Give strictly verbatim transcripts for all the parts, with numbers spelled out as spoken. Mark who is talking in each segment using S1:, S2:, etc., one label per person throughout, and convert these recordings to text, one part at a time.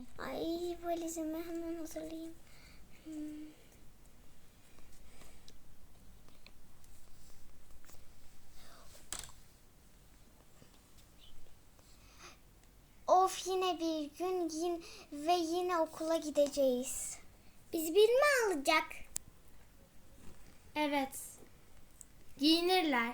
S1: Ay valizimi hemen hazırlayayım. Hmm. Of, yine bir gün yine ve yine okula gideceğiz. Bizi bir mi alacak?
S2: Evet. Giyinirler.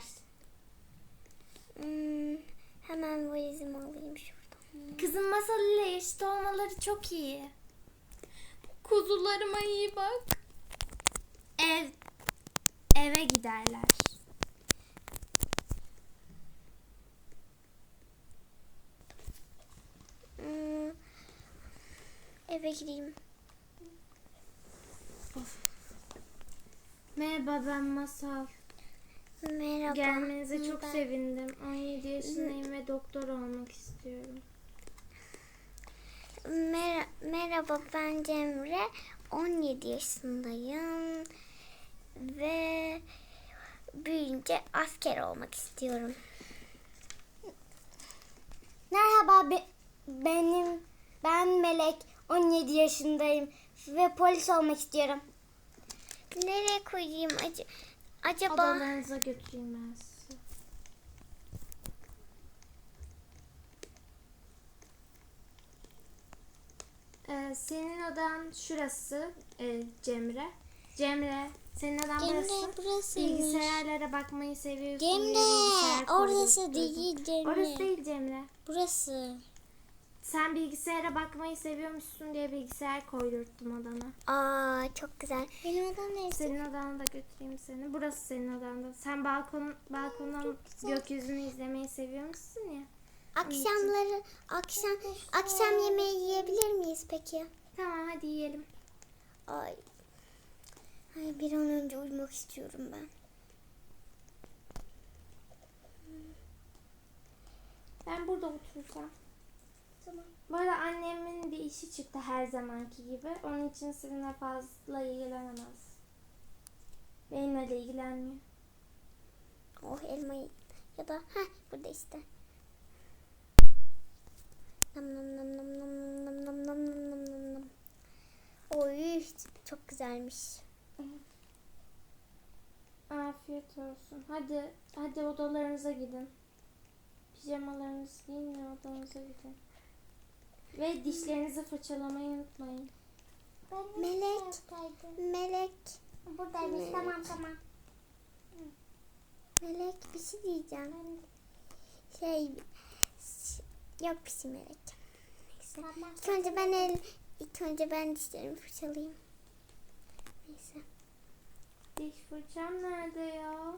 S1: Hmm, hemen valizimi alayım şuradan.
S2: Kızım Masal ile eşit olmaları çok iyi. Kuzularıma iyi bak. Ev eve giderler.
S1: Hmm, eve gideyim.
S2: Merhaba, ben Masal.
S1: Merhaba.
S2: Gelmenize çok
S1: Ben-
S2: sevindim. on yedi yaşındayım ve doktor olmak istiyorum.
S1: Mer- Merhaba, ben Cemre. on yedi yaşındayım. Ve büyüyünce asker olmak istiyorum.
S3: Merhaba, be- benim ben Melek, on yedi yaşındayım ve polis olmak istiyorum.
S1: Nereye koyayım ac- acaba?
S2: Odalarınıza götüreyim ben sizi. Ee, senin odan şurası e, Cemre. Cemre, senin odan
S3: Cemre,
S2: burası.
S3: burası.
S2: Bilgisayarlara bakmayı seviyorsun. diye
S3: Cemre,
S2: bilgisayar
S3: orası
S2: koydurturdum.
S3: değil Cemre.
S2: Orası değil Cemre.
S3: Burası.
S2: Sen bilgisayara bakmayı seviyormuşsun diye bilgisayar koydurttum odana.
S1: Aa, çok güzel.
S3: Benim odam neresi?
S2: Senin odana da götüreyim seni. Burası senin odanda. Sen balkon balkondan gökyüzünü izlemeyi seviyormuşsun ya.
S1: Akşamları akşam akşam yemeği yiyebilir miyiz peki?
S2: Tamam, hadi yiyelim.
S1: Ay. Ay, bir an önce uyumak istiyorum ben.
S2: Ben burada otursam.
S1: Tamam.
S2: Bu arada annemin bir işi çıktı her zamanki gibi. Onun için sizinle fazla ilgilenemez. Benimle de ilgilenmiyor.
S1: Oh, elmayı ya da ha burada işte. Nam nam nam nam nam nam nam nam nam nam nam nam. Oy, çok güzelmiş.
S2: Afiyet olsun. Hadi, hadi odalarınıza gidin. Pijamalarınızı giyin ve odanıza gidin. Ve dişlerinizi fırçalamayı unutmayın.
S1: Melek, Melek,
S3: Buradaymış,
S1: Evet.
S3: tamam tamam.
S1: Melek, bir şey diyeceğim. Şey, ş- yok bir şey Melek. Neyse.
S3: Tamam.
S1: İlk önce ben el, ilk önce ben dişlerimi fırçalayayım. Neyse.
S2: Diş fırçam nerede ya?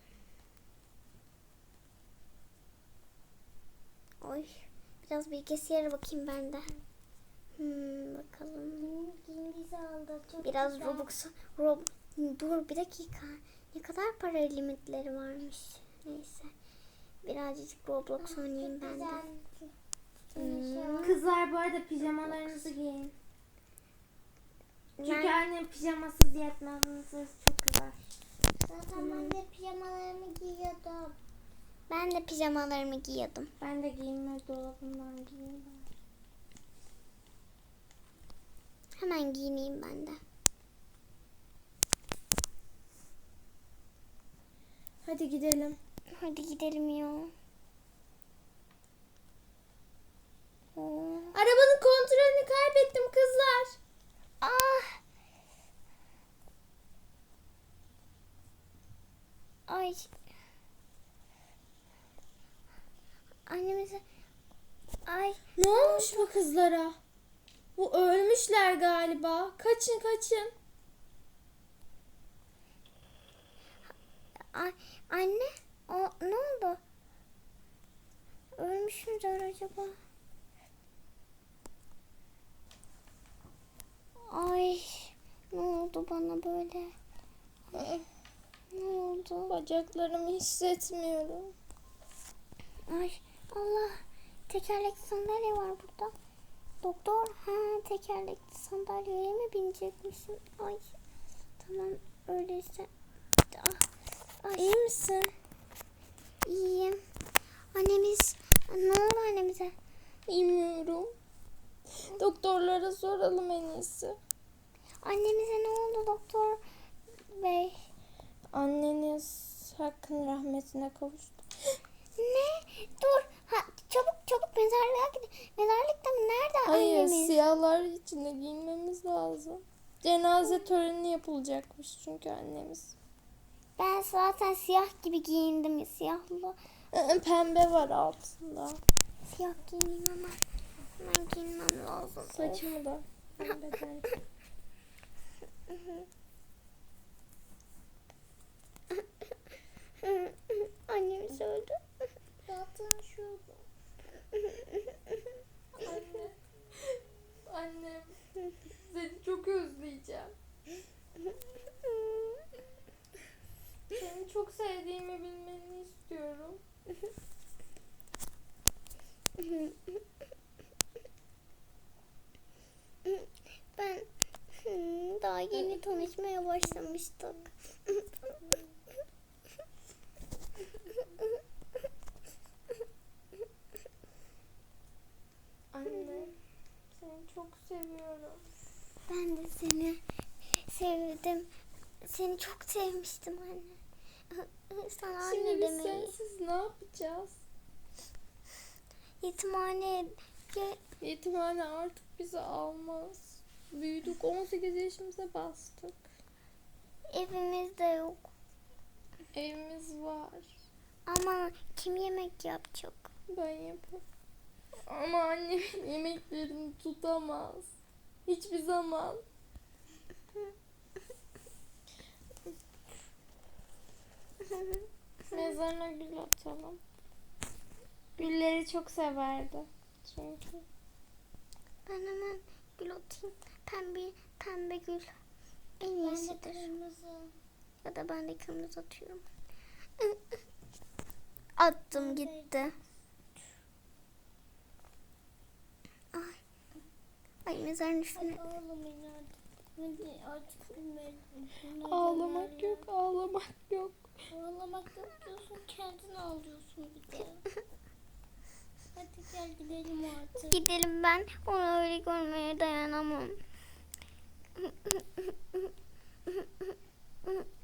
S1: Oy, biraz bilgisayara bakayım ben de. Hmm, bakalım.
S3: Giyindiyse aldı. Çok
S1: Biraz
S3: güzel.
S1: Robux, Rob, dur bir dakika. Ne kadar para limitleri varmış. Neyse. Birazcık Roblox oynayayım ben de. Hmm.
S2: Kızlar, bu arada pijamalarınızı giyin. Çünkü
S1: Ben-
S2: annem pijamasız yatmanızı çok kızar.
S3: Zaten ben de pijamalarımı giyiyordum.
S1: Ben de pijamalarımı giyiyordum.
S2: Ben de giyinme dolabından giyeyim.
S1: Hemen giyineyim ben de.
S2: Hadi gidelim.
S1: Hadi gidelim ya. Oo.
S2: Arabanın kontrolünü kaybettim kızlar.
S1: Ah. Ay. Annemize. Ay.
S2: Ne olmuş bu kızlara? Bu ölmüşler galiba. Kaçın kaçın.
S1: Ay. Anne. O ne oldu? Ölmüş müdür acaba? Ay. Ne oldu bana böyle? Ne oldu?
S2: Bacaklarımı hissetmiyorum.
S1: Ay Allah, tekerlekli sandalye var burada. Doktor, ha tekerlekli sandalyeye mi binecekmişim? Ay tamam, öyleyse. Ah, ay.
S2: İyi misin?
S1: İyiyim. Annemiz, ne oldu annemize?
S2: Bilmiyorum. Doktorlara soralım en iyisi.
S1: Annemize ne oldu doktor bey?
S2: Anneniz hakkın rahmetine kavuştu.
S1: Ne? Dur. Ha, çabuk çabuk mezarlığa gidelim. Mezarlıkta mı? Nerede
S2: Hayır,
S1: annemiz?
S2: siyahlar içinde giyinmemiz lazım. Cenaze töreni yapılacakmış çünkü annemiz.
S1: Ben zaten siyah gibi giyindim. Siyahlı.
S2: Ee, Pembe var altında.
S1: Siyah giyineyim ama. Hemen giyinmem lazım.
S2: Saçımı da pembeden.
S1: Annemiz öldü.
S3: Zaten şurada.
S2: Anne. Annem. Seni çok özleyeceğim. Seni çok sevdiğimi bilmeni istiyorum.
S1: Ben hmm, daha yeni tanışmaya başlamıştık.
S2: Anne. Seni çok seviyorum.
S1: Ben de seni sevdim. Seni çok sevmiştim anne. Sana anne
S2: Şimdi biz
S1: demeyi.
S2: sensiz ne yapacağız?
S1: Yetimhaneye
S2: Yetimhane artık bizi almaz. Büyüdük, on sekiz yaşımıza bastık.
S1: evimiz de yok.
S2: Evimiz var.
S1: Ama kim yemek yapacak?
S2: Ben yaparım. Ama annemin yemeklerini tutamaz. Hiçbir zaman. Mezarına gül atalım. Gülleri çok severdi. Çünkü.
S1: Ben hemen gül atayım. Pembe, pembe gül. En
S3: Ben de
S1: iyisidir.
S3: kırmızı.
S1: Ya da ben de kırmızı atıyorum. Attım gitti. Ay. Ay mezarın üstüne.
S3: Ağlamayın artık. Hadi artık gülmeyin.
S2: Ağlamak yok, ağlamak yok.
S3: Ağlamak yok diyorsun, kendin ağlıyorsun bir de. Hadi gel gidelim artık.
S1: Gidelim, ben onu öyle görmeye dayanamam.